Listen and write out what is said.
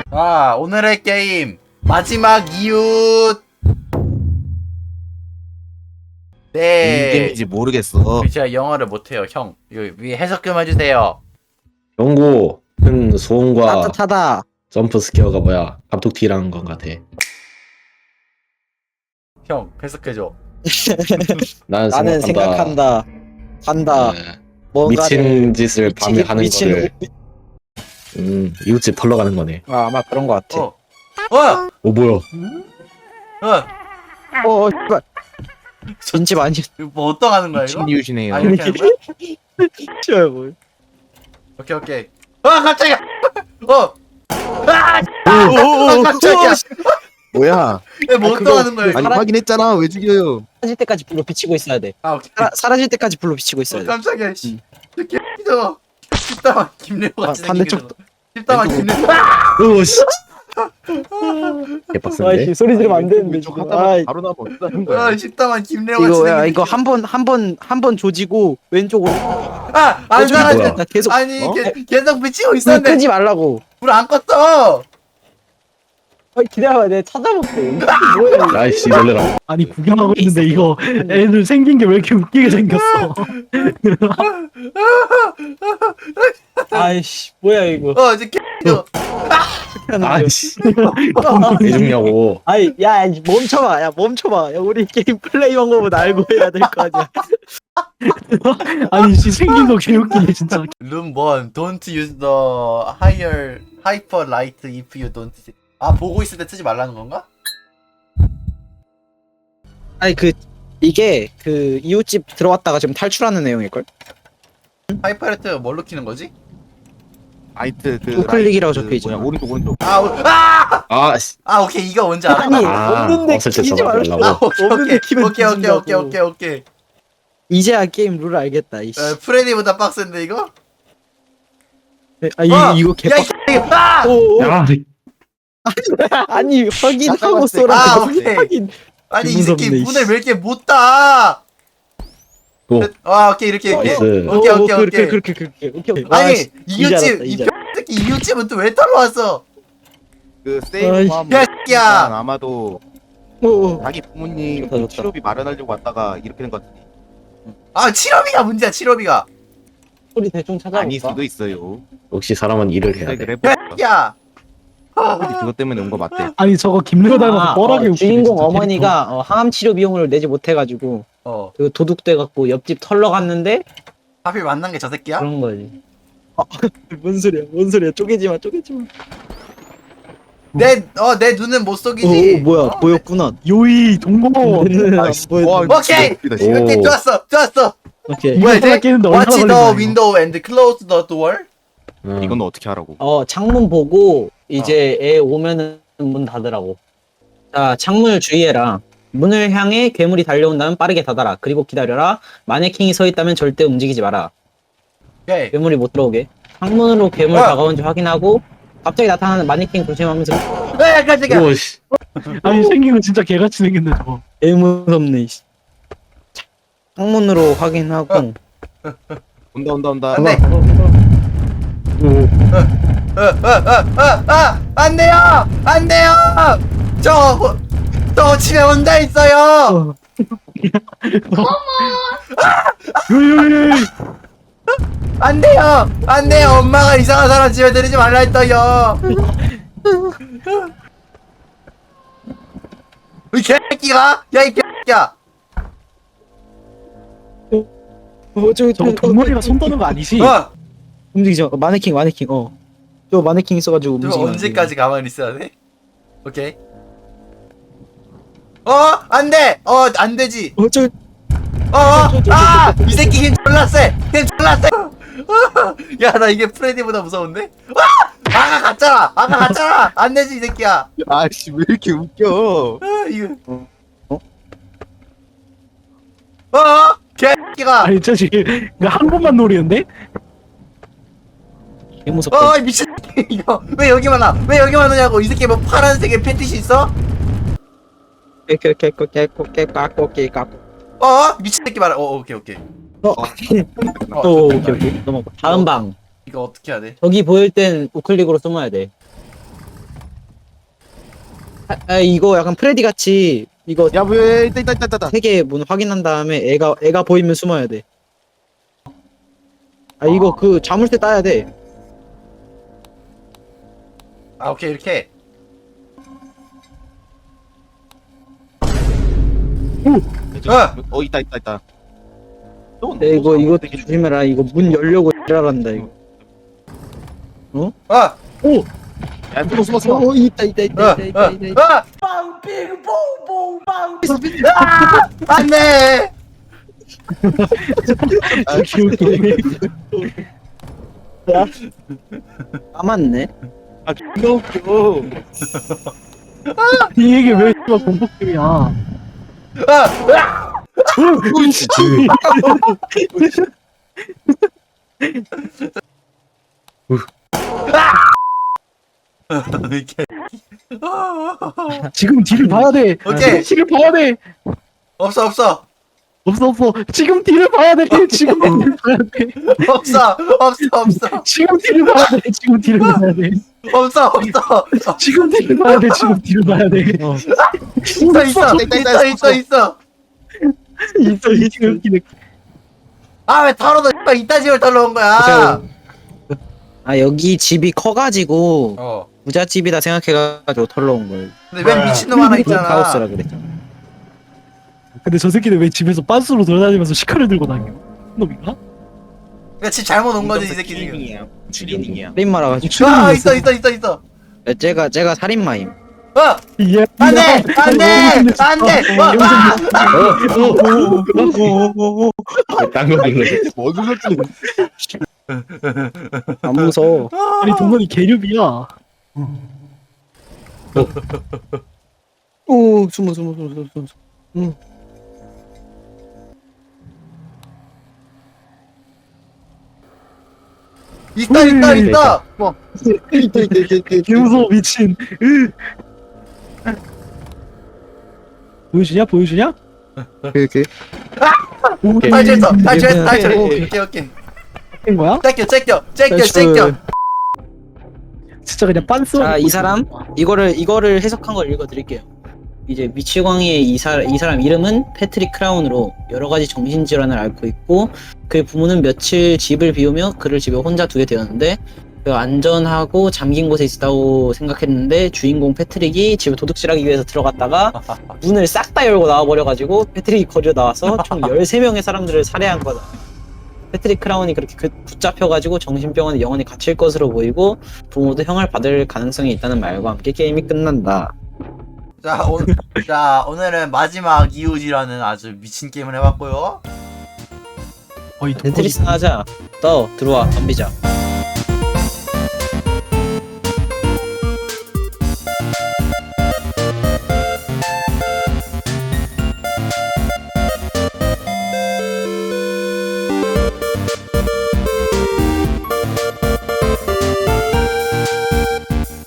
아, 오늘의 게임 마지막 이웃. 네. 게임인지 모르겠어. 제가 영어를 못해요, 형. 이거 위에 해석 좀 해주세요. 경고, 큰 소음과 따뜻하다. 점프 스퀘어가 뭐야? 갑툭튀라는 건 같아. 형, 해석해줘. 나는 생각한다. 한다. 네, 뭔가를 미친 짓을 밤에 하는 미친 거를 이웃집 털러 가는 거네. 아마 그런 거 같아. 어. 어! 오 뭐야? 어! 씨발. 진집 아니. 이거 뭐 어떡하는 거야, 이거? 미친 이웃이네요. 아, 이렇게 하는 거야? 씨발 뭐. 오케이, 오케이. 아, 깜짝이야! 어! 아! 깜짝이야! 뭐야? 뭐 어떡하는 거야, 이거? 아니 확인했잖아. 왜 죽여요? 사라질 때까지 불로 비치고 있어야 돼. 아, 오케이. 사라질 때까지 불로 비치고 있어야 돼. 깜짝이야, 씨. 이렇게 삐져. 십다만 김래호 같이 반대쪽도. 십다만 김래호. 오씨. 개빡센데? 소리 지르면 안 되는데. 왼쪽 지금. 하다가 아이, 바로 나면 어쩌는 거야? 아, 십다만 김래호 같이 이거 야 생긴 이거 한 번 조지고 왼쪽으로. 아, 안 저기 사라져. 뭐야? 나 계속 아니, 어? 계속 비치고 불 있었는데 끄지 말라고. 불 안 껐어. 기다려봐, 내가 찾아볼게. 뭐야 이거. 아이씨 놀래라. 아니 구경하고 있는데 이거 애들 생긴 게 왜 이렇게 웃기게 생겼어? 아이씨, 뭐야 이거. 이제 삐져. 아이씨. 왜 죽냐고. 아이, 야, 멈춰봐, 야, 멈춰봐. 야, 우리 게임 플레이 방법은 알고 해야 될 거 아니야. 아니 씨 생긴 거 개웃기네 진짜. 룸 1. Don't use the higher hyper light if you don't see. 아, 보고 있을 때 쓰지 말라는 건가? 아니 이게 이웃집 들어왔다가 지금 탈출하는 내용일걸? 하이퍼라이트 뭘로 키는 거지? 라이트 그 우클릭이라고 라이트 적혀있잖아. 뭐냐, 오른쪽. 아씨. 오케이, 이거 뭔지 알아. 아니, 아, 없는데 없을 때 키지 써가지고 말라고. 하려고. 없는데 키면 오케이. 뒤진다고. 이제야 게임 룰 알겠다, 이씨. 프레디보다 빡센데 이거? 이거 야, 개빡. 아! 오, 야, 아니, 확인하고 잠깐만, 쏘라. 아, 오케이. 확인. 아니, 이 무섭네, 새끼 이씨. 문을 왜 이렇게 못 닫아? 또. 오케이, 이렇게. 나이스. 오케이. 그렇게. 아니, 이제 알았다, 이웃집, 이 이제 새끼 이웃집은 또 왜 털러 왔어? 그 아이씨. 세이브 하면 야, 새끼야. 아마도 오, 자기 부모님 좋다, 좋다. 치료비 마련하려고 왔다가 이렇게 된 것 같은데. 아, 칠업이가 문제야, 칠업이가. 소리 대충 찾아볼까? 아닐 수도 있어요. 역시 사람은 일을 해야 그래 돼. 그래. 야, 그것 때문에 온 거 맞대. 아니 저거 김래호 닮아서 뻘하게 웃기네. 주인공 진짜. 어머니가 항암 치료 비용을 내지 못해가지고 그 도둑돼갖고 옆집 털러 갔는데 하필 만난 게 저 새끼야? 그런 거지. 뭔 소리야? 쪼개지 마. 내 눈은 못 속이지. 뭐야? 보였구나. 요이 동공어. 아이씨, 보였. 와, 오케이! 웃기다, 진짜. 오케이, 좋았어. 오케이. 뭐야, 이거 이제? 깨는데 얼마나 Watch 걸리나, the 이거. window and close the door. 이건 어떻게 하라고? 창문 보고 이제 애 오면은 문 닫으라고. 자, 창문을 주의해라. 문을 향해 괴물이 달려온다면 빠르게 닫아라. 그리고 기다려라. 마네킹이 서 있다면 절대 움직이지 마라. 오케이. 괴물이 못 들어오게. 창문으로 괴물 다가온지 확인하고 갑자기 나타나는 마네킹 조심하면서. 깜짝이야. 오씨. 아니 생긴 거 진짜 개같이 생겼네 저거. 개 무섭네. 창문으로 확인하고. 온다. 안 돼. 안 돼요! 저 집에 혼자 있어요! 요요요. 안 돼요! 엄마가 이상한 사람 집에 들이지 말라 했어요! 이 개새끼가! 야, 이 개새끼야! 저거 동물이가 손 떠는 거 아니지? 움직이죠. 마네킹. 저 마네킹 있어가지고 저 움직이면 언제까지 가만히 있어야 돼? 오케이. 안 돼! 안 되지! 이 새끼 힘 졸라 세! 야, 나 이게 프레디보다 무서운데? 아가 갔잖아! 안 되지, 이 새끼야! 아씨 왜 이렇게 웃겨? 이거. 개새끼가! 아니 저 지금 이거 한 번만 노리는데? 개 무섭다. 미친 새끼, 이거. 왜 여기만 오냐고. 이 새끼 뭐 파란색의 팬티시 있어? 미친 새끼 말아. 오케이. 오케이. 넘어가. 다음 방. 이거 어떻게 해야 돼? 저기 보일 땐 우클릭으로 숨어야 돼. 이거 약간 프레디 같이 이거 야왜 있다. 세 개 문 확인한 다음에 애가 보이면 숨어야 돼. 이거 그 자물쇠 따야 돼. 아 오케이 이렇게. 있다. 이거 조심해라. 이거 문 열려고 지랄한다 이거. 아! 야 숨어. 있다. 아! 안돼! 까맣네. 이거 웃겨. 이 얘기 왜 씨발 공포게임이야? 아! 이렇게. 지금 뒤를 봐야 돼. 오케이. 뒤를 봐야 돼. 없어. 없어. 지금 뒤를 봐야 돼. 지금 뒤를 봐야 돼. 없어. 지금 뒤를 봐야 돼. 지금 뒤를 봐야 돼. 없어. 지금 뒤를 봐야 돼. 지금 뒤를 봐야 돼. 있어. 지금 웃기네. 아 왜 털어도 이딴 집을 털러 온 거야? 여기 집이 커가지고 어. 부잣집이다 생각해가지고 털러 온 걸. 근데 왜 미친놈 하나 있잖아. 하우스라 그랬잖아. 근데 저 새끼는 왜 집에서 빤스로 돌아다니면서 시카를 들고 다녀? 놈인가? 그러니까 집 잘못 온 거지 이 새끼 지금. 트레이닝이야. 살인마라 가지고. 아 있어. 제가 살인마임. 예. 안돼. 딴거 불러. 뭐 눌렀지? 안 무서워. 아니 동건이 개류비야. 오 숨어. 있다. 개무서워 미친. 보여주냐? 이렇게. 탈출. 오케이. 된 거야? 째껴. 진짜 그냥 빤스. 자, 이 사람 이거를 해석한 걸 읽어드릴게요. 이제 미치광이의 이 사람 이름은 패트릭 크라운으로 여러 가지 정신질환을 앓고 있고 그의 부모는 며칠 집을 비우며 그를 집에 혼자 두게 되었는데 그 안전하고 잠긴 곳에 있다고 생각했는데 주인공 패트릭이 집에 도둑질하기 위해서 들어갔다가 문을 싹 다 열고 나와버려가지고 패트릭이 거리로 나와서 총 13명의 사람들을 살해한 거다. 패트릭 크라운이 그렇게 붙잡혀가지고 정신병원에 영원히 갇힐 것으로 보이고 부모도 형을 받을 가능성이 있다는 말과 함께 게임이 끝난다. 자 오늘은 마지막 이웃이라는 아주 미친 게임을 해봤고요. 거의 덴트리스 하자. 들어와 덤비자.